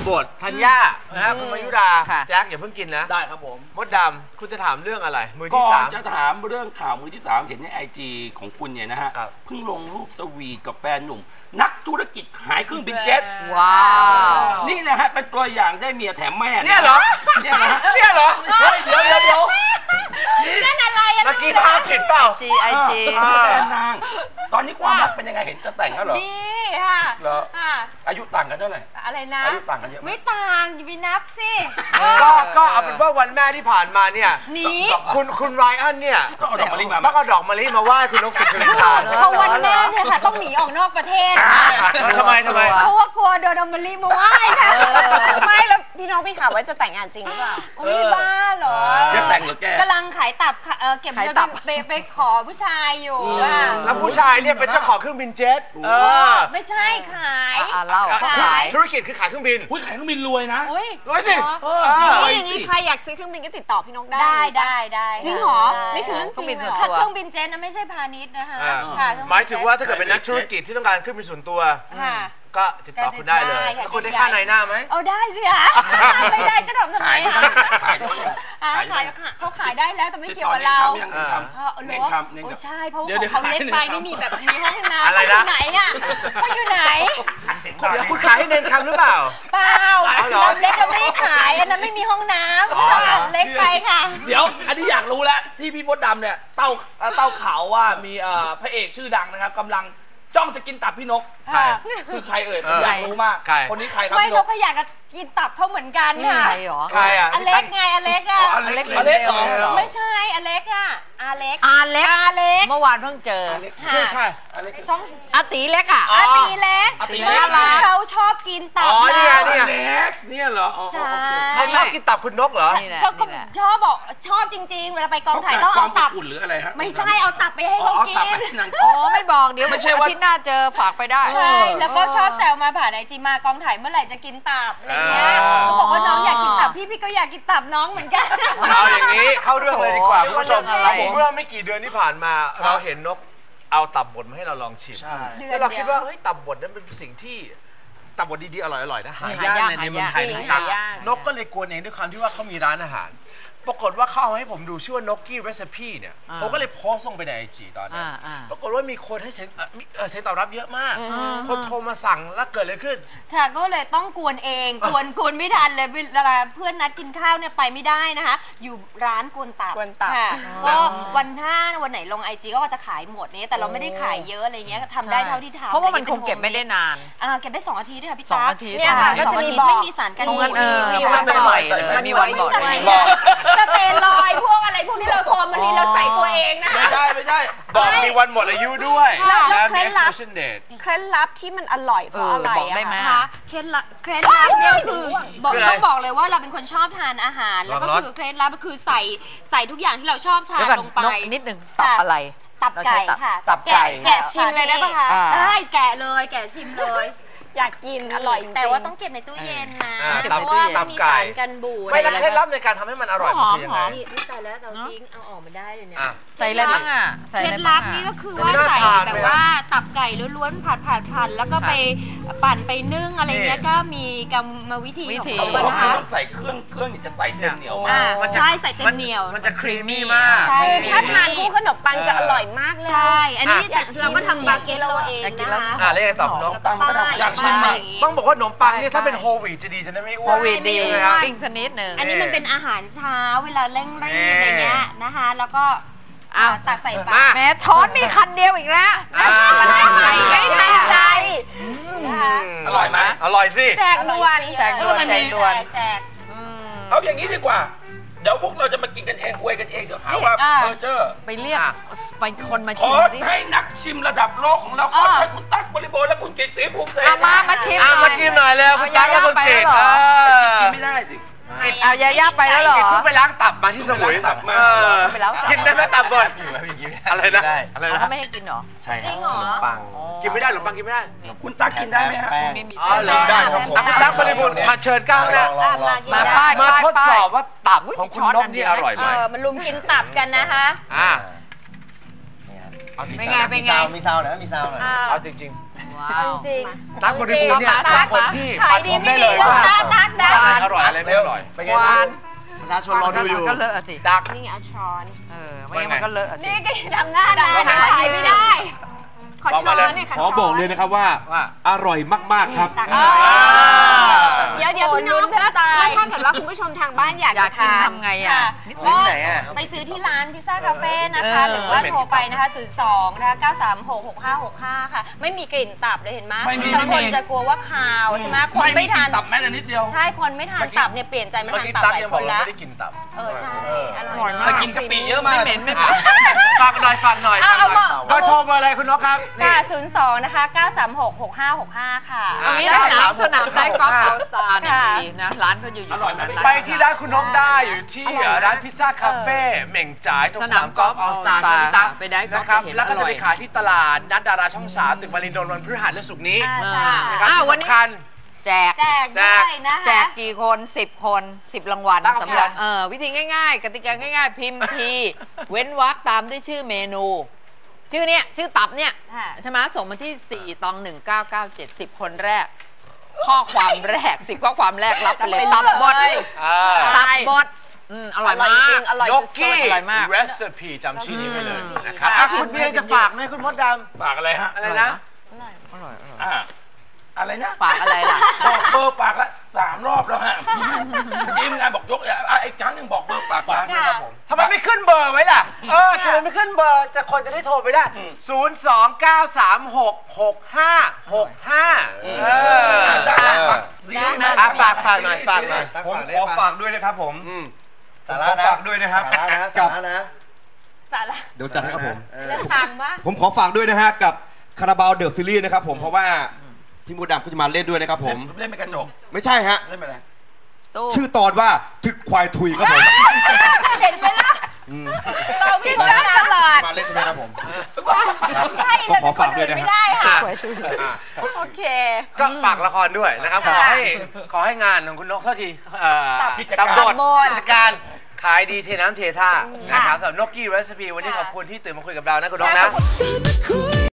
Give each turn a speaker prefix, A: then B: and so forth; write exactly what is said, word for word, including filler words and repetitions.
A: บทธัญญานะคุณมายุราแจ็คอย่าเพิ่งกินนะ
B: ได้ครับผม
A: มดดำคุณจะถามเรื่องอะไรมือที่สาม
C: จะถามเรื่องข่าวมือที่สามเห็นในไอจีของคุณเนี่ยนะฮะเพิ่งลงรูปสวีทกับแฟนหนุ่มนักธุรกิจขายเครื่องบินเจ็ต
D: ว้าว
C: นี่นะฮะเป็นตัวอย่างได้เมียแถมแม่
A: เนี่ยเหรอ
C: เนี่ยนะ
A: เนี่ยเหรอ
B: เดี๋ยวเดี๋ยวเดี๋ยว
D: นั่นอะไรอ่ะ
A: เมื่อกี้ภาพผิดเปล่า
D: จีไอจี
C: แฟนนางตอนนี้ความรักเป็นยังไงเห็นจะแต่งแล้วเหรอ
D: ดีค่ะ
C: เหรออายุต่างกันเท่าไหร่
D: อะไรนะ
C: อายุต่างกันเยอะ
D: ไม่ต่างอย่าไปนับสิ
A: ก็ก็เอาเป็นว่าวันแม่ที่ผ่านมาเนี่ย
D: นี่
A: คุณคุณไรอันเนี่ย
C: ต้องเอาดอกมะลิมา
A: ต้องเอาดอกมะลิมาไหว้คุณนกสิริพาน
D: เพราะวันแม่เนี่ยค่ะต้องหนีออกนอกประเทศ
A: ทำไมทำไม
D: เพราะว่ากลัวโดนดอกมะลิมาไหว้ค่ะ
E: ไม่แล้วพี่น้องพี่ข่าวว่าจะแต่งงานจริงหรือเปล่า
D: อุ้ยบ้าเหรอ
C: จะแต่งหรือแก
D: กำลังขายตับเก็บเงินไปไปขอผู้ชายอยู่
A: แล้วผู้ชายเนี่ยเป็นเจ้าของเครื่องบินเจ็ต
D: ไม่ใช่ขาย
A: เล่าขายธุรกิจคือขายเครื่องบิน
C: อุ้ยขายเครื่องบินรวยนะ
A: รวยสิ
E: อย่างนี้ใครอยากซื้อเครื่องบินก็ติดต่อพี่นกได้
D: ได้ได้ได้
E: จริงเหรอนี่คือเรื่องจริงเหรอ
D: เครื่องบินเจ็ตนะไม่ใช่พาณิชย์นะคะ
A: หมายถึงว่าถ้าเกิดเป็นนักธุรกิจที่ต้องการเครื่องบินส่วนตัวก็ติดต่อคุณได้เลยแล้วคุณได้ค่าในหน้าไหม
D: เอาได้สิคะไม่ได้จะทำทำไมคะ
C: ขาย
D: ขายเขาขายได้แล้วแต่ไม่เกี่ยวกับเรา
C: เน้นคำ
D: โอ้ใช่เพราะเขาเล็กไปไม่มีแบบมีห้องน้ำเขาอยู่ไหนอ่ะเขาอยู่ไหน
A: คุณขายให้เน้นคำหรือเปล่า
D: เปล่าเราเล็กเราไม่ได้ขายอันนั้นไม่มีห้องน้ำเล็กไปค่ะ
B: เดี๋ยวอันนี้อยากรู้แล้วที่พี่มดดำเนี่ยเต้าเต้าข่าวว่ามีพระเอกชื่อดังนะครับกำลังจ้องจะกินตับพี่นกคือใครเอ่ยผมอยากรู้มากคนนี้ใครครับ
D: ไม่
B: พี่นก
D: ก็อยากกินตับเขาเหมือนกันค่ะ
A: ใครอ่ะ
D: อเล็กไงอเล็กอ่ะ
B: อเล็กอเล็ก
D: ไม่ใช่อเล็กอ่ะอาเล็กอาเล็กอาเล็ก
F: เมื่อวานเพิ่งเจอ
A: คือใคร
D: ช่อง
F: อาตีเล็กอ่ะ
D: อาตีเล็ก
B: อาตีเล็ก
D: เขาชอบกินตับ
A: อ๋อเนี่ย
C: เนี่ยเล็กเนี่ยเหรอ
D: ใช่
A: เขาชอบกินตับคุณนกเหรอ
D: ก็ชอบบอกชอบจริงๆเวลาไปกองถ่ายต้องเอาตับ
C: อุ่นหรืออะไรฮะ
D: ไม่ใช่เอาตับไปให้เขากิน
F: อ๋อไม่บอกเดี๋ยวไม่ใช่ว่าที่หน้าเจอฝากไปได้
D: ใช่แล้วก็ชอบแซวมาผ่านไอจีมากองถ่ายเมื่อไหร่จะกินตับอะไรเงี้ยเขาบอกว่าน้องอยากกินตับพี่พี่ก็อยากกินตับน้องเหมือนกัน
A: เอาอย่างนี้เข้าเรื่องเลยดีกว่าคุณผู้ชมเมื่อไม่กี่เดือนที่ผ่านมาเราเห็นนกเอาตับบดมาให้เราลองชิมแล้วเราคิดว่าเฮ้ยตับบดนั้นเป็นสิ่งที่ตับบดดีๆอร่อยๆนะหายากในเมืองไทยนะครับนกก็เลยกวนเองด้วยความที่ว่าเขามีร้านอาหารปรากฏว่าเขาเอาให้ผมดูชื่อว่านกกี้เรซิปีเนี่ยผมก็เลยโพสต์ลงไปในไอจีตอนนี้ปรากฏว่ามีคนให้เสียงเสียงตอบรับเยอะมากคนโทรมาสั่งแล้วเกิดอะไรขึ้น
D: ค่ะก็เลยต้องกวนเองกวนกวนไม่ทันเลยเวลาเพื่อนนัดกินข้าวเนี่ยไปไม่ได้นะคะอยู่ร้านกวนตับค่ะก็วันท่าวันไหนลงไอจีก็จะขายหมดนี้แต่เราไม่ได้ขายเยอะอะไรเงี้ยทำได้เท่าที่ทำ
F: เพราะว่ามันคงเก็บไม่ได้นาน
D: เก็บได้สองอาทิตย์ค่ะพี่
F: จ๊า
D: เนี่ยค่ะก็จะมีไม่มีสารกันบูด
F: มีวันบ่อยเลยมีวันบ่อย
D: สเตนลอยพวกอะไรพวกที่เราโคนมันนี่เราใส่ตัวเองนะ
B: ไม่ใช่ไม่ใช่
A: บอกมีวันหมดอายุด้วย
E: แล้วเคล็ดลับเคล็ดลับที่มันอร่อยเพราะอะไรอะ
D: คะเคล็ดลับเคล็ดลับเนี่ยคือบอกต้องบอกเลยว่าเราเป็นคนชอบทานอาหารแล้วก็คือเคล็ดลับก็คือใส่ใส่ทุกอย่างที่เราชอบทานลงไป
F: นิดหนึ่งตับอะไร
D: ตับไก่ค่ะ
B: ตับไก่
D: แกะชิมเลยได้ปะคะได้แกะเลยแกะชิมเลย
E: อยากกินอร่อย
D: แต่ว่าต้องเก็บในตู้เย็นนะ
A: เพราะว่า
D: มันมีสารกันบูด
A: ไม่แล้วเคล็ดลับในการทำให้มันอร่อย
D: มัน
A: คือยังไง
D: นี่แต่แล้วเราทิ้งเอาออกมาได้เลยเนี่ย
F: ใส่อะไรบ้างอ่ะ
D: เคล็ดลับนี่ก็คือว่าใส่แบบว่าตับไก่ล้วนๆผัดผัดผัดแล้วก็ไปปั่นไปนึ่งอะไรเงี้ยก็มีกรรมวิธีของ
C: เขานะคะใส่เครื่องเครื่องจะใส่เต็มเหนียวมาก
D: ใช่ใส่เต็มเหนียว
A: มันจะครีมมี่มาก
D: ใช่
E: ถ้าทานคู่ขนมปังจะอร่อยมากเลย
D: ใช่อันนี้เราก็ทำบาเกตเราเองนะคะ
A: อ่าเรียกตอบน้อง
B: อยากชิม
A: ต้องบอกว่าขนมปังเนี่ยถ้าเป็นโฮลวีตจะดีจะไม่อ้วน
F: โฮลวีตดีปิ้งสนิดหนึ่ง
D: อันนี้มันเป็นอาหารเช้าเวลาเร่งรีบอะไรเงี้ยนะคะแล้วก็ตักใส่ปาก
F: แม่ช้อนมีคันเดียวอีกแล้ว
E: ไม่ทันใจ
B: อร่อยไหม
A: อร่อยสิ
E: แจกด่วน
F: แจกด่วนแจกด่วน
D: แจก
C: เอาอย่างนี้ดีกว่าเดี๋ยวพวกเราจะมากินกันเองอวยกันเองเดี๋ยวหาว่าเพอเจอร์
F: ไปเรียกไปคนมา
C: ชิมขอให้นักชิมระดับโลกของเราขอให้คุณตั๊กบริบูรณ์และคุณกิตติภูมิเสถียร
F: มามาชิม
A: มาชิมหน่อยแล้วคุณตั๊กและคุณกิต
C: กินไม่ได้สิ
F: เอาย่าย่าไปแล้วเหรอ
A: เพิ่งไปล้างตับมาที่สมุย
C: ตับมา
A: กินได้ไหมตับก่อนอะไรนะอะไรนะ
F: เขาไม่ให้กินหรอ
A: ใช่ครับขนมปังกินไม่ได้ขนมปังกินไม่ได้
C: คุณตั๊กกินได้ไหมฮะ
A: อ๋อได้ครับผมคุณตั๊กบริบูรณ์มาเชิญก้าวนะ
F: มา
A: มาทดสอบว่าตับของคุณนกนี่อร่อยไหม
D: มันลุมกินตับกันนะคะ
A: อ่า
F: เป็นไงเป็นไง
B: มีซาวมีซาวหน่อยมีซาวหน่อย
A: เอาจริง
D: จริง
A: ตั๊กบริบูรณ์เนี่ยเป็นคนที่
D: ขาย
A: ฟัน
D: ดี
A: ธง
D: ไม่
A: ได้
D: ดี
A: เลยว่า
D: ตักตักดัก
A: อะไรอร่อยอะไรไม่อร่อย
G: เป็นไงประชาชนรอดูอยู่
F: ก็เลอะสิ
A: ดัก
E: นี่ไงเอาช้อน
F: เออไม่งั้นมันก็เลอะสิ
D: นี่ก็ทำหน้านาน
E: ขายไม่ได้ ขอช้อนเนี่ย
G: ขอบอกเลยนะครับว่าอร่อยมากๆครับ
E: เดี๋ยวเดี๋ยวพี่น้องถ้าถ้าเกิดว่าคุณผู้ชมทางบ้านอยาก
F: อยาก
E: จะ
F: กิน
E: ทาน
F: ทำไงอ่ะ
A: ซื้อที่ไหนอ่ะ
D: ไปซื้อที่ร้านพิซซ่าคาเฟ่นะคะ
F: เออ
D: หรือว่าโทรไปนะคะศูนย์สองนะคะเก้าสามหกหกห้าหกห้าค่ะ ไม่มีกลิ่นตับเลยเห็นไหม
B: ไม่มี
D: บางคนจะกลัวว่าคาวใช่ไหมคนไม่ทาน
B: ตับแม้แต่นิดเดียว
D: ใช่คนไม่ทานตับเนี่ยเปลี่ยนใจมา
A: เมื่อ
D: ทาน
A: กี้
D: ตับ
A: ตั๊ก
D: หลาย
A: ยัง
D: ค
A: บอก
D: น
A: เรา
D: แล้ว
A: ไม่ได้กินตับ
D: เออใช่อร่อย
B: แต่กินกะปิเยอะมาก
F: ไม่เหม็นไม่เหม็น
A: ฝากหน่อยฝากหน่อย
D: เอาเอามา
A: เบอร์โทรเบอร์อะไรคุณนกครับ
D: ค่ะศูนย์สองนะคะเก้าสามหกหกห้าหกห้าค่ะ
F: ตรงนี้สนามสนามได้กอล์ฟออลสตาร์เนี่ยดีนะร้านเขาอยู่อยู่ตรงนั้น
A: ไปที่ร้านคุณนกได้อยู่ที่ร้านพิซซ่าคาเฟ่เหม่งจ่ายตรงสนามกอล์ฟออลสตาร์
F: All Star
A: คุณตั๊ก
F: ไปได้กอล์ฟ
A: นะครับ
F: ไปเห็น
A: แล้วก็
F: อร่
A: จะ
F: อย
A: ไปขายที่ตลาดนัดดาราช่องสามตึกมารินโดนวันพฤหัสและศุกร์นี้
D: อ่าใช่
A: นะครับ
F: อ้าว
A: ที่
F: วันนี้
A: สำคัญ
F: แจก
D: แจกด้วยนะคะ
F: แจกกี่คนสิบคนสิบรางวัล
A: ตั้ง
F: สำหรับ
A: เท่าไหร่
F: เออวิธีง่ายๆ กติกาง่ายๆ พิมพ์ที เว้นวรรคตามด้วยชื่อเมนู ชื่อเนี้ยชื่อตับเนี่ย
D: ค่ะ
F: ใช่ไหมส่งมาที่สี่ตองหนึ่งเก้าเก้าเจ็ดสิบคนแรก ข้อความแรกสิบข้อความแรกรับไปเลยตับบด
A: อ่า
F: ตับบดอืมอร่อยมาก
E: อร่อย
A: ย
E: สุ
A: ก
E: ด
A: กี้
F: อร่อยมาก
A: recipe จำชื่อนี้ไว้เลยนะครับอ่ะคุณเบียร์จะฝากไหมคุณมดด
C: ฝากอะไรฮะ
A: ำอะไรนะ
F: อร่อยอร่อย
C: อ่าอะไรนะ
F: ฝากอะไรล่ะ
C: บอกเบอร์ฝากละสามรอบแล้วฮะทีมงานบอกยกอ่ะอีกครั้งหนึ่งบอกเบอร์ฝากฝาก
D: ค่ะ
A: ทำไมไม่ขึ้นเบอร์ไว้ล่ะ เออทำไมไม่ขึ้นเบอร์แต่คนจะได้โทรไปได้ ศูนย์ สอง เก้า สาม หก หก ห้า หก ห้า เออ
C: ได้ฝากซีรีส์ไหม
A: อ่ะฝากฝากหน่อยฝากหน่อย
G: ผมขอฝากด้วยนะครับผม
A: สาระนะ
G: ฝากด้วยนะครับ
A: สาระนะ
G: กับ
A: สาระนะ
D: สาระ
G: เดี๋ยวจัดให้ครับผม
D: เรื่องทางบ้าง
G: ผมขอฝากด้วยนะฮะกับคาราบาวเดอะซีรีส์นะครับผมเพราะว่าพี่มูดดำก็จะมาเล่นด้วยนะครับผม
C: เล่นเป็นกระจก
G: ไม่ใช่ฮะ
C: เล่นเป็นอะไร
F: ตู้
G: ชื่อตอนว่าถึกควายทุยครับผม
D: เห็นไหมล่ะเราพี่คนนั้นตลอด
G: มาเล่นใช่ไหมครับผม
D: ใช่
G: ก็
D: เรา
G: ขอ
D: เป็นค
G: ฝาก
D: น
G: ด้ว
D: อื่
G: ย
D: น
G: นะ
D: ไม่ได้ค่ะ โอเค
A: ก็ฝากละครด้วยนะครับ ขอให้ขอให้งานของคุณนกเท่าทีเอ่อ
C: กิจการ
A: ตำบลกิจการขายดีเทน้ำเทท่านะครับสำหรับนกกี้เรซิปีวันนี้ขอบคุณที่ตื่นมาคุยกับเรานะคุณนกนะ